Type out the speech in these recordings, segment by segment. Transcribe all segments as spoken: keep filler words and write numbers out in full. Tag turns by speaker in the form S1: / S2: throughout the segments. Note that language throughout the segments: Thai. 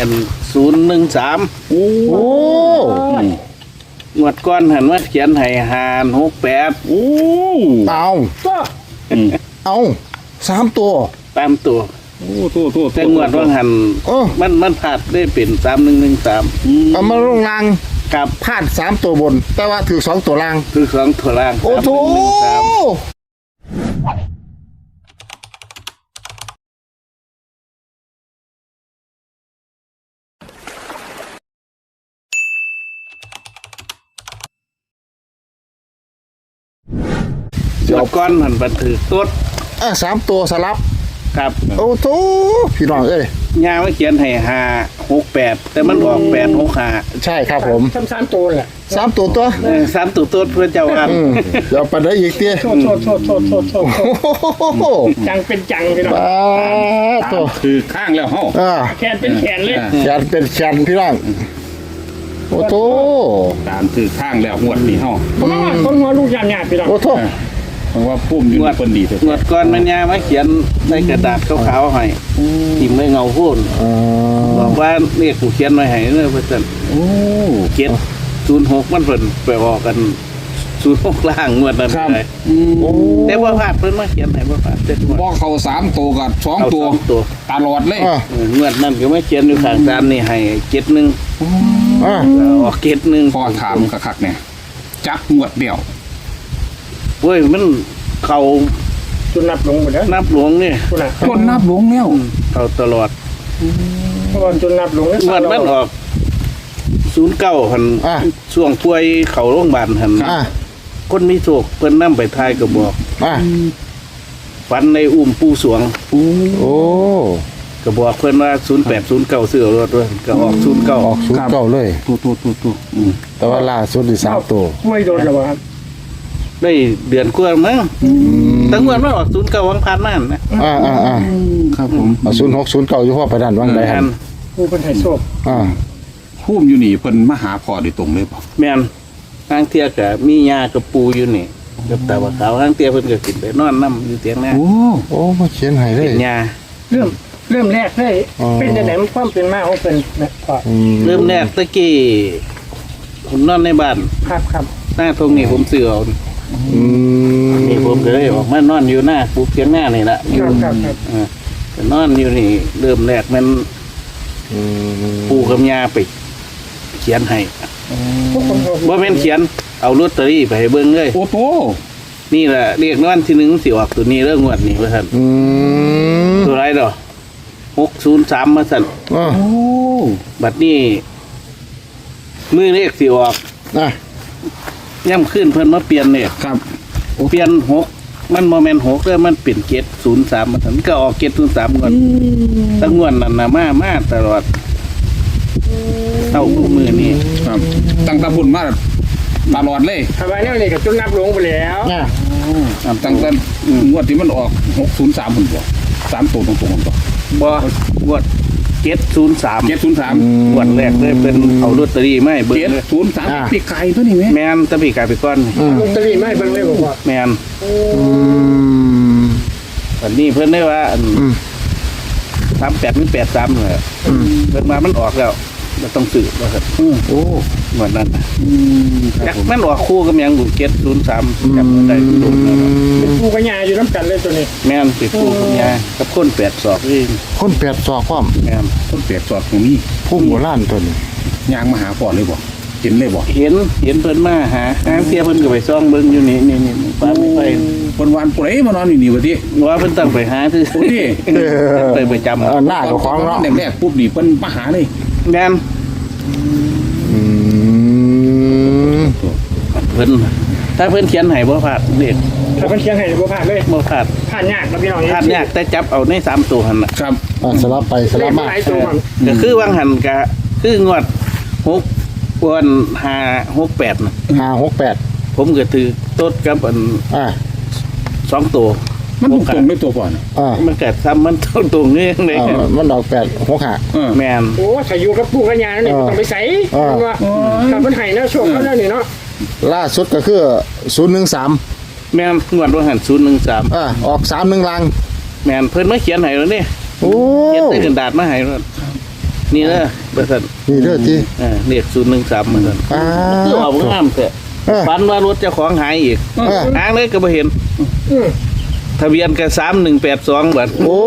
S1: เป็นศูนย์หนึ่งสามโอ้งวดก้อนหันว่าเขียนให้หานหกแปดโอ้
S2: เอาเอาสามตัว
S1: ตามตัว
S3: โอ้ตัวตัว
S1: แต่งวดว่าหันมันมันพลาดได้เป็นสามหนึ่งหนึ่งสาม
S2: เอามาลงล่าง
S1: กับ
S2: พลาดสามตัวบนแต่ว่าถือสองตัวล่าง
S1: ถือสองตัวล่าง
S2: โอ้โห
S1: งวดก้อนหันบันทึกตัว
S2: อ่ะสามตัวสลับ
S1: ครับ
S2: โอ้โหพี่น้องเอ้ย
S1: ยาว่าเขียนให้ห้าหกแปดแต่มันออกแปดหกห้า
S2: ใช่ครับผม
S4: สามสามตัวแหละ
S2: สามตัวตัว
S1: สามตัวตัวเพื่อเจ้าอัน
S2: เดี๋ยวไปได้อีกเตี้ย
S4: โทษโทษโทษโทษโทษโทษจังเป็นจังพี่น้อง
S3: ตัวคือข้างแล้วเฮ้
S4: าแขนเป็นแขนเลย
S2: แขนเป็นแขนพี่น้องโอ้โห
S3: ตามคือข้างแล้วหวดนี่เฮ้า
S4: เพราะว่าคนหัวลูกยามยากพี่น้อง
S2: โอ้โห
S3: เพราะว่าพุ่มอยู่ในคนดี
S1: งวดก้อนมันยามาเขียนในกระดาษขาวๆให้ทิ่มไม่เงาพูนบอกว่าเรียกกูเขียนไว้ให้เนื้อเพื่อนเขียนศูนย์หกมันเพิ่นไปออกกันศูนย์หกล่างงวดนั้นเลยแต่ว่าพลาดเพิ่นมาเขียนให้ว่าพลาดเจ็ดงวด
S3: บอกเขาสามตัวกับสองตัวตลอดเลย
S1: งวดนั้นก็ไม่เขียนอยู่ข้างตามนี่ให้เจ็ดหนึ่งออกเจ็ดหนึ่ง
S3: พอถามคักๆเนี่ยจักงวดเดียว
S1: เว้ยมันเขา
S4: จนนับหลงหมดแล้ว
S1: นับหลวงนี่
S3: จนนับหลวงแล้ว
S1: เขาตลอด
S4: เพราะว่าจนนับหลง
S1: งวดมันออกศูนย์เก้าหันช่วงป่วยเขาโรงพยาบาลหันคนมีโศกเพิ่นนำไปทายก็บอกฝันในอุ้มปูสวง
S2: โอ้
S1: ก็บอกเพิ่นว่าศูนย์แปดศูนย์เก้าซื้อรถด้วยก็ออกศูนย์เก้า
S2: ออกศูนย์เก้าเลย
S3: ตัวตัวตัวตัว
S2: แต่ว่าล่าสุดที่สามตัว
S4: ไม่โดนหรอวะ
S1: ได้เดือนกว่ามั้งตั้งวันว่าออกศูนย์เก้าวังพันนั่นนะ
S2: อ่าอ่าอ่า
S3: ครับผม
S2: ศูนย์หกศูนย์เก้าอยู่พ่อไปด้านวังใดฮัน
S4: ผู้เป็นไฮโซ
S2: อ่า
S3: พุ่มอยู่นี่เพิ่นมาหาพ่อโดยตรงเลยป่ะ
S1: แม่นทางเที่ยกับมียากับปูอยู่นี่กับตาว่าขาวทางเที่ยเพิ่นก็กินไปนอนน้ำอยู่เตียงน่
S2: โอ้โอ้มาเขียนให้เลย
S1: ยา
S4: เริ่มเริ่มแรกเลยเป็นแต่ไหนมันความเป็นมาของเป็นพ่อ
S1: เริ่มแรกตะกี้ผมนอนในบ้าน
S4: ครับครับ
S1: หน้าตรงนี้ผมเสื่อนี่ผมก็เลยออกมานอนอยู่หน้าปูเตียงหน้านี่แหละ
S4: ครับครับครับ
S1: นอนอยู่นี่เริ่มแรกมันปูกับยาไปเขียนให้ว่าเป็นเขียนเอาลอตเตอรี่ไปให้เบิ้งเลย
S3: โอ้โห
S1: นี่แหละเรียกนอนที่หนึ่งสิออกตัวนี้เรื่องงวดนี่ว่าท่านตัวไรดอกหกศูนย์สามมาสั่นบัดนี้มือเลขสิออกย่ำขึ้นเพิ่นมาเปลี่ยนเนี่ย
S3: ครับ
S1: เปลี่ยนหกมันโมเมนต์หกแล้วมันเปลี่ยนเกตศูนย์สามมาสั่นก็ออกเกตศูนย์สามก่อนตั้งงวดนั่นนะมามาตลอดเท่าคู่มือนี่
S3: ครับตั้งตาบุญมาตลอดเลย
S4: ทำไมเนี่ยนี่กับจนนับหลงไปแล้ว
S3: ตั้งแต่งวดที่มันออกหกศูนย์สามผมบอกสามตัวตรงๆผมบอก
S1: บ่งวดเจ็ดศูนย์สาม
S3: เจ็ดศูนย์สาม
S1: งวดแรกเลยเป็นเอาลอตเตอรี่ไม่เบิ้ง
S3: เจ็ดศูนย์สามปีไก่ตัวนี้ไหม
S1: แมนตะปีไก่ไปก้อน
S4: ลอตเตอรี่ไม่เบิ้งเลยบอกว่า
S1: แมนอันนี้เพิ่นได้ว่าสามแปดนี่แปดสามเลยเพิ่นมามันออกแล้วมันต้องสื่อว่าครับโอ้เหมือนนั้นจักมันออกคู่กับยังบุญเก็ตศูนย์สามจำได้ดูนะ
S4: เป็นคู่กับยาอยู่น้ำกันเลยตัวนี้
S1: แม่นเป็นคู่กับยากับคนแปดศอกเอง
S2: คนแปดศอกความ
S1: แม่น
S3: คนแปดศอกตรงนี้
S2: พุ่มโบราณตัวนี้
S3: ยางมาหาพ่อเลยบอกเห็นเลยบอก
S1: เห็นเห็นเพิ่นมาหาหาเทียเพิ่นก็ไปซ่องเบิ้งอยู่นี่นี่นี่ป้าไม่ไป
S3: วันวันปล่อยมานอนอยู่นี่วะที่
S1: ว่าเพิ่นตั้งไปหาคือ
S3: โอ้ย
S1: ไปไปจำ
S2: หน้าของเนาะ
S3: แรกๆปุ๊บนี่เพิ่นมาหาเลย
S1: แม่นเพิ่นถ้าเพิ่นเขียนให้บ่พลาดเด็ก
S4: ถ้าเพิ่นเขียนให้บ่พลาดเลย
S1: บ่พลาด
S4: พลาดยากครับพี่น้อง
S1: พลาดยากแต่จับเอาในสามตัวหั่นน่ะ
S3: ครับ
S2: สลับไปสลับมา
S1: ก็คือวางหันก็คืองวดหกวันห้าหกแปดน่ะ
S2: ห้าหกแปด
S1: ผมก็ถือต้นกับอัน
S2: อ่า
S1: สองตัว
S3: มันตรงด้วยตัวก่อน
S1: อ่ามันเกิดซ้ำมันตรงตรงนี้เลย
S2: มันออกแปดหกห้า
S1: แม่น
S4: โอ้ถ้าอยู่กับปู่กับย่าเนี่ยต้องไปใส่ว่าถ้ามันให้นะโชคแล้วนี่เนาะ
S2: ล่าสุดก็คือศูนย์หนึ่งสาม
S1: แม่นงวดว่าหันศูนย์หนึ่งสาม
S2: อ่าออกสามหนึ่งลัง
S1: แม่นเพิ่นมาเขียนให้แล้วนี่
S2: โอ้
S1: เขียนใส่กระดาษมาให้แล้วนี่นะประสัน
S2: นี่เด้อที่
S1: เออเลขศูนย์หนึ่งสามประสัน
S2: อ่า
S1: คือเอางามแต่
S2: เออ
S1: ฝันว่ารถเจ้าของหายอีก
S2: เออ
S1: หางเลยก็บ่เห็น
S4: อืม
S1: ทะเบียนก็สามหนึ่งแปดสองบัด
S2: โอ้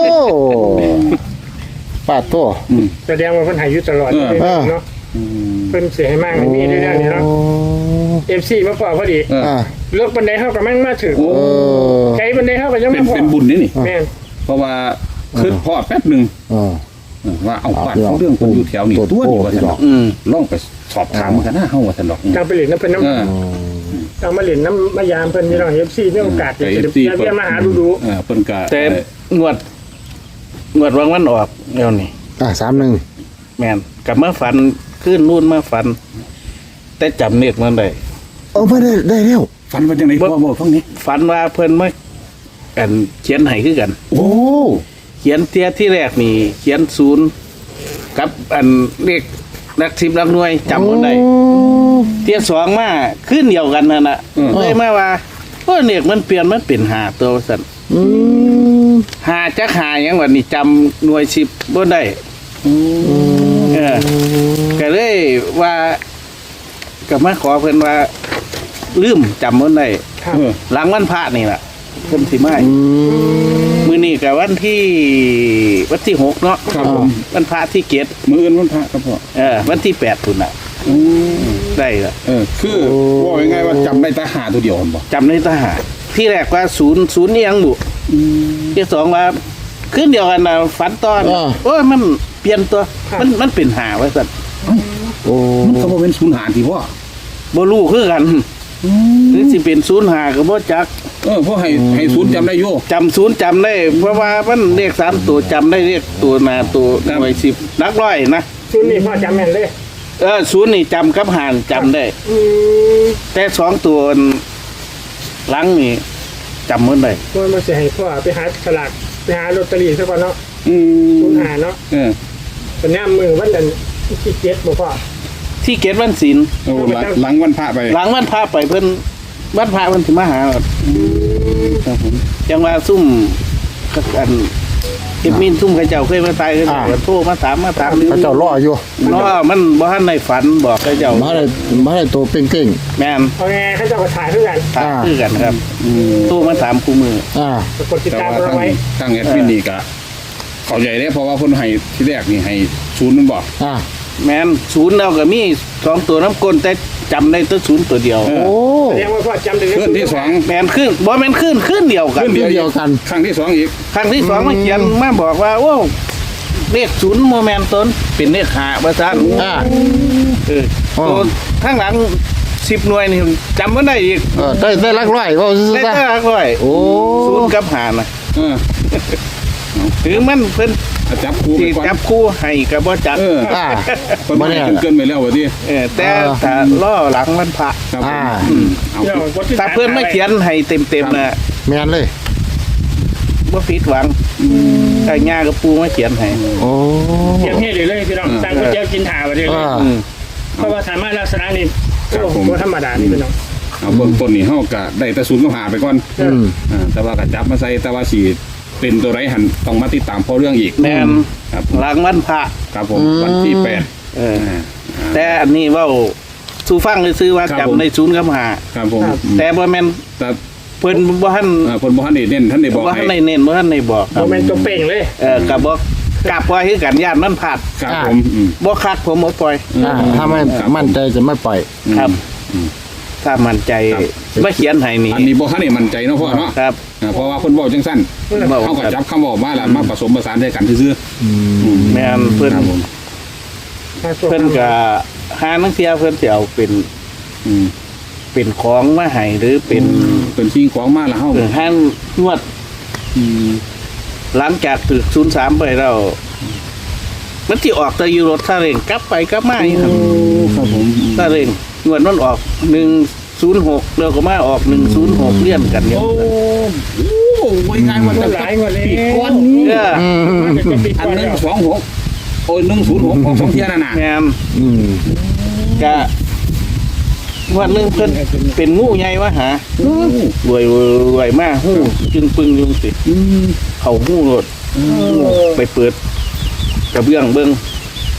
S2: ปาดตัว
S4: แสดงว่าเพิ่นใหายอยู่ตลอดเลย
S2: เออ
S4: เนาะเพิ่นเสียให้มากในมีเรื่องนี้เนาะ เอฟซีมาพอพอดี
S3: เออ
S2: อ่า
S4: เลือกบันไดเฮากับแม่งมาถึง
S3: โอ้
S2: เออ
S4: ไกลบันไดเฮาก็ยัง
S3: เป็
S4: ไม่
S3: น
S4: พอ
S3: เป็นบุญนี่นี่
S4: แม่น
S3: เพราะว่าคือพ่อแป๊บหนึ่ง
S2: เออ
S3: เออว่าเอาบ้านเขาเรื่องคนอยู่แถวนี้ตัวนี้ว่าท่านดอก
S1: อืม
S3: ลองไปสอบถามกันนะเฮาว่าท่านดอก
S4: จังไปเล่นน้ำเพิ่นน้
S3: เออ
S4: ำจังมาเล่นน้ำมายามเพิ่นพี่น้องเอฟซีมีโอกาส
S3: แต่
S4: จะ
S3: เอ
S4: ได้
S3: ฟซี
S4: เยี่ยมมาหาดูดู
S3: เออเพิ่นก็
S1: แต่งวดงวดวางวันออกแล้วนี่
S2: อ่าสามหนึ่ง
S1: แม่นกลับมาฝันขึ้นนู่นมาฝัน แต่จำเนียกมันได้
S2: เออไม่ได้ได้แล้ว
S3: ฝันว่าจังได๋พ่อบอกฟังนี้
S1: ฝันว่าเพิ่นมาอันเขียนให้คือกัน
S2: โอ้
S1: เขียนเทียที่แรกนี่ เขียนศูนย์กับอันเลขนักสิบนักหน่วยจำมันได้เทียสองมาขึ้นเดียวกันนั่นน่ะเลยมาว่าโอ้เนียกมันเปลี่ยนมันเป็นหาตัวสั่น
S2: อืม
S1: หาจักหาหยังวันนี้จำหน่วยสิบบ่ได้เออก็เลยว่าก็มาขอเพิ่นว่า ลืมจำมันได้
S4: ครับ
S3: เออ
S1: หลังวันพระนี่แหละเพิ่นสิมา
S2: อืม
S1: มื้อนี้ก็วันที่วันที่หกเนาะ
S3: ครับผม
S1: วันพระที่เจ็ด
S3: มื้ออื่นวันพระครับพ่อ
S1: เออวันที่แปดพุ่นน่ะได้ละ
S3: เออคือว่าง่ายๆว่าจำได้แต่หาตัวเดียวมันบ่
S1: จำได้ทหารที่แรกว่าศูนย์ศูนย์นี่ยังบุที่สองว่าขึ้นเดียวกันนะฝันตอนโอ้ยมันเปลี่ยนตัวมันมันเป็นหาไว้สัตว์
S2: โอ้
S3: มันก็บ่เป็นศูนย์หารที่พ่อ
S1: บ่รู้คือกันหรือสิเป็นศูนย์หาก็บ่จัก
S3: เออพ่อให้ให้ศูนย์จำได้อยู่
S1: จำศูนย์จำได้ เพราะว่ามันเลขสามตัวจำได้เลขตัวหนาตัวหน่วยสิบนักร้อยนะ
S4: ชุดนี้พ่อจำแม่นเลย
S1: เออศูนย์นี่จำกับหารจำได้
S4: อืม
S1: แต่สองตัวหลังนี่จำมันได้
S4: ว่ามาเสียให้พ่อไปหาสลากไปหาลอตเตอรี่ซะก่อนเนาะ
S3: อืม
S4: คุณหาเนาะ
S3: เออ
S4: เป็นย่ามมือวันนั้นที่เจ็ดบ่พ่อ
S1: ที่เกตวันศิลป์
S3: โอ้หลังหลังวันพระไป
S1: หลังวันพาไปเพิ่นวันพาเพิ่นสิมาหาครับผมจังว่าซุ่มอันเอ็ดมินซุ่มเขาเจ้าเคยมาตายกันโทรมาถามมาถาม
S2: พระเจ้ารออยู่
S1: เนาะมันบ่ทันในฝันบอกเขาเจ้า
S2: มาได้มาได้ตัวเป่งเก่ง
S1: แม่น
S4: เอาไงเขาจะมาถ่ายเพื่อกัน
S1: ถามคือกันครับโทรมาถามคู่มือ
S2: อ่า
S4: กดติด
S3: แต่
S4: ตาม
S3: ว่า
S4: เรา
S3: ทั้ง
S4: ไว้
S3: ทั้งแอดมินนี่ก็เข้าใจได้เพราะว่าเพิ่นให้ที่แรกนี่ให้ศูนย์มันบอก
S2: อ่า
S1: แม่นศูนย์เราก็มีสองตัวน้ำก้นแต่จำได้ตัวศูนย์ตัวเดียว
S3: เออ
S2: โอ้
S4: แสดงว่าพ่อจำได้
S3: ขึ้นที่สอง
S1: แม่นขึ้นบ่แม่นขึ้นขึ้นเดียวกัน
S3: ขึ้น
S2: เดียวกัน
S3: ครั้งที่สองอีก
S1: ครั้งที่สองมาเขียนมาบอกว่าโอ้เลขศูนย์โมแมนต้นเป็นเลขหาประสาน
S2: อ่า
S1: เออ
S2: อ๋อ
S1: ตัวข้างหลังสิบหน่วยนี่จำไม่ได้อีก
S2: เออได้ได้ลักร้อยว่าซื่อ
S1: ได้
S2: ๆซะ
S1: แต่ละร้อย
S2: โอ้
S1: ศูนย์กับหานะ
S3: เออ
S1: ถือมันเพิ่น
S3: จับคู่ไป
S1: ที่
S3: ก่อน
S1: จับคู่ให้กับบ่จับ
S3: เออ
S2: อ่า
S3: เพิ่นบ่ให้เกินๆไปแล้วว่าติ
S1: เออแต่
S2: อ่า
S1: ถ้าล่อหลังมันพระ
S3: ครับผม
S2: อ่า
S3: อืมเอา
S4: เดี๋ยวกดติด
S1: ถ้า
S4: ตาม
S1: เพื่อนไม่เขียนให้เต็มๆนะ
S2: แม่นเลย
S1: บ่ผิดหวังแต่ย่ากับปูมาเขียนให้
S2: โอ้
S4: เขียนให้เลยเลยพี่น้องตั้งก๋วยเตี๋ยวกินถ่าไปเลย
S2: อ่า
S1: อืม
S4: เพราะว่าสามารถลักษณะนี้โอ้โหธรรมดานี่พี่น้อง
S3: เอาเบื้องต้นนี่เฮาก็ได้แต่ศูนย์ก็หาไปก่อน
S2: อืม
S3: อ่าแต่ว่าก็จับมาใส่แต่ว่าสิเป็นตัวไรหันต้องมาติดตามเพราะเรื่องอีก
S1: แม่น
S3: ครับ
S1: หลังวันพระ
S3: ครับผมวันที่แปด
S1: เออ
S3: อ่า
S1: แต่อันนี้เว่าสู่ฟังซื้อว่า
S3: ครับผม
S1: จำในศูนย์กับหา
S3: ครับผมอืม
S1: แต่บ่แม่น
S3: แต่
S1: เพิ่นบ่ทัน
S3: อ่าเพิ่นบ่ทันได้เน้นท่านได้บอก
S1: บ่ทั
S3: ให้
S1: นได้เน้นบ่ทันได้บอก
S4: โมเมนต์ตัวเป่งเลย
S1: เออก็บ่กลับว่าคือกันญาติมันพลาด
S3: ครับผมอืม
S1: บ่คักผมบ่ปล่อย
S2: อ่าถ้าไม่มั่นใจจะไม่ปล่อย
S1: ครับ ถ้ามั่นใจบ่เขียนให้นี่
S3: อันนี้บ่ทันได้มั่นใจเนาะพ่อเนาะ
S1: ครับ
S3: อ่าเพราะว่าเพิ่นเว้าจังซั่น
S1: เว้า
S3: เฮาก็จับคำเว้ามาแล้วมาผสมผสานด้วยกันซื่อ
S1: แม่น
S3: ๆ
S1: เพิ่น
S3: ครับผม
S1: เพิ่นก็หานังเที่ยเพิ่นสิเอาเป็น
S3: อืม
S1: เป็นของมาให้หรือเป็น
S3: เป็นสิ่งของมาแล้วเฮา
S1: เออห้างนวด
S3: อืม
S1: หลังจากถึกศูนย์สามไปแล้วมันสิออกแต่อยู่รถซาเล้งกลับไปกลับมาอยู่ครับ
S3: ครับผม
S1: ซาเล้งงวดมันออกหนึ่งศูนย์หกแล้วก็มาออกหนึ่งศูนย์หกเลี่ยนกันอยู่
S3: โอ้โหไว้ง่ายมัน
S4: หลายกว่าเลย
S3: ปีก้อนนี้
S1: เออ
S2: อืม
S4: จะปิด
S3: อัน
S4: ก่อน
S3: หนึ
S4: แล้
S3: ง
S4: ว
S3: สองหกโอ้ยหนึ่งศูนย์หกของสองเทียนั่นน่ะ
S1: แม่น
S2: อืม
S1: ก็งวันหนึงเพิ่นเป็นงูใหญ่วะหา รวยรวยมากหู้จึงปึงยุงสิ
S3: อืม
S1: เขาหู้รถไปเปิดกระเบื้องเบิ้ง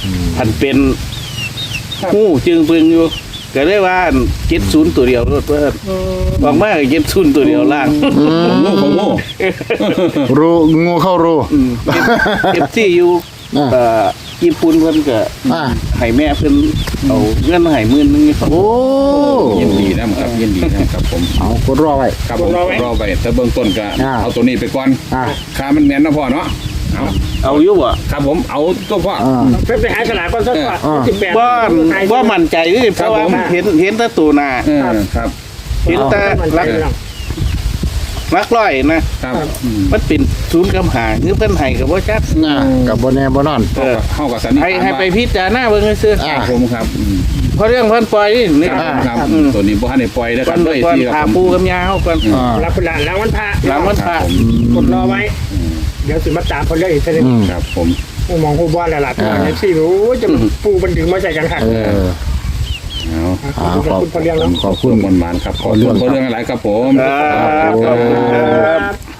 S1: พันเป็นหู้จึงปึงอยู่ก็ได้ว่าเจ็ดศูนย์ตัวเดียวรถว่าบอกมากเจ็ดศูนย์ตัวเดียวล่าง
S3: โง่ของโง่
S2: รูงูเข้ารู
S1: เอฟซีอยู่
S2: อ่า
S1: เอ่อญี่ปุ่นเพิ่นก็
S2: อ่า
S1: ให้แม่เพิ่นเอาเงินมาให้หมื่นนึงนี่ครับ
S2: โอ้
S3: ยินดีนะครับยินดีนะครับผม
S2: เอากดรอไว้
S3: ครับผมรอไปแต่เบื้องต้นก็
S2: อ่า
S3: เอาตัวนี้ไปก่อน
S2: อ่า
S3: ค่ามันแม่นนะพ่อเนาะเอา
S1: เอาอยู่บ่
S3: ครับผมเอาตัวพ่อ
S2: อ่า
S4: ไปไปหาฉลากก่อนสักว่า
S2: อ่า
S4: สิบแปด
S1: บ่บ่มั่นใจนี่เพราะว่า
S3: ครับผม
S1: เห็นเห็นแต่ตัวหน้า
S3: เออครับ
S1: เห็นแต่
S4: มัน
S1: ลัก
S4: ใจเรื่อง
S1: ลักร้อยนะครับ
S3: อืม
S1: มันเป็นศูนย์กำหาคือเพิ่นให้ก็บ่จัก
S2: อ่ากับบนแน่บนนอน
S1: เออ
S3: เข้ากับสันนิษ
S1: ให้
S3: ฐาน
S1: ให้
S3: ว่า
S1: ไปพิจารณาเบิ่งซื่อ
S2: อ่า
S3: ครับผมครับอืม
S1: เพราะเรื่องเพิ่นปล่อยนี่นี่
S3: ครับครับ
S1: อืม
S3: ตัวนี้บ่ทันได้ปล่อยนะค
S1: ก่อ
S3: รับ
S1: น
S3: ด้วย
S1: ก่อน
S3: ที่ค
S1: พา
S3: รับผม
S1: ปูกับยาเฮาก่อน
S2: อ่า
S4: รับเป็นหลานแล้ววันพระ
S1: หลังวันพระ
S3: ครับผม
S4: กดรอไว้ เดี๋ยวสิมาตามคนเรื่องอีกทีนึง
S2: อืม
S3: ครับผม
S4: ผู้มองผู้บ้านหลานตัว
S2: อ่า
S4: นี้ที่รู้จะปูบันถึงมาใส่กันค่ะ
S2: เออ
S3: เอา
S2: อ่า
S4: ขอบคุณพอเลี้ยงแล้ว
S2: ขอบคุณ
S3: มันมันๆครับขอบคุณเรื่องอะไรครับผม
S1: ครับขอบคุณครับ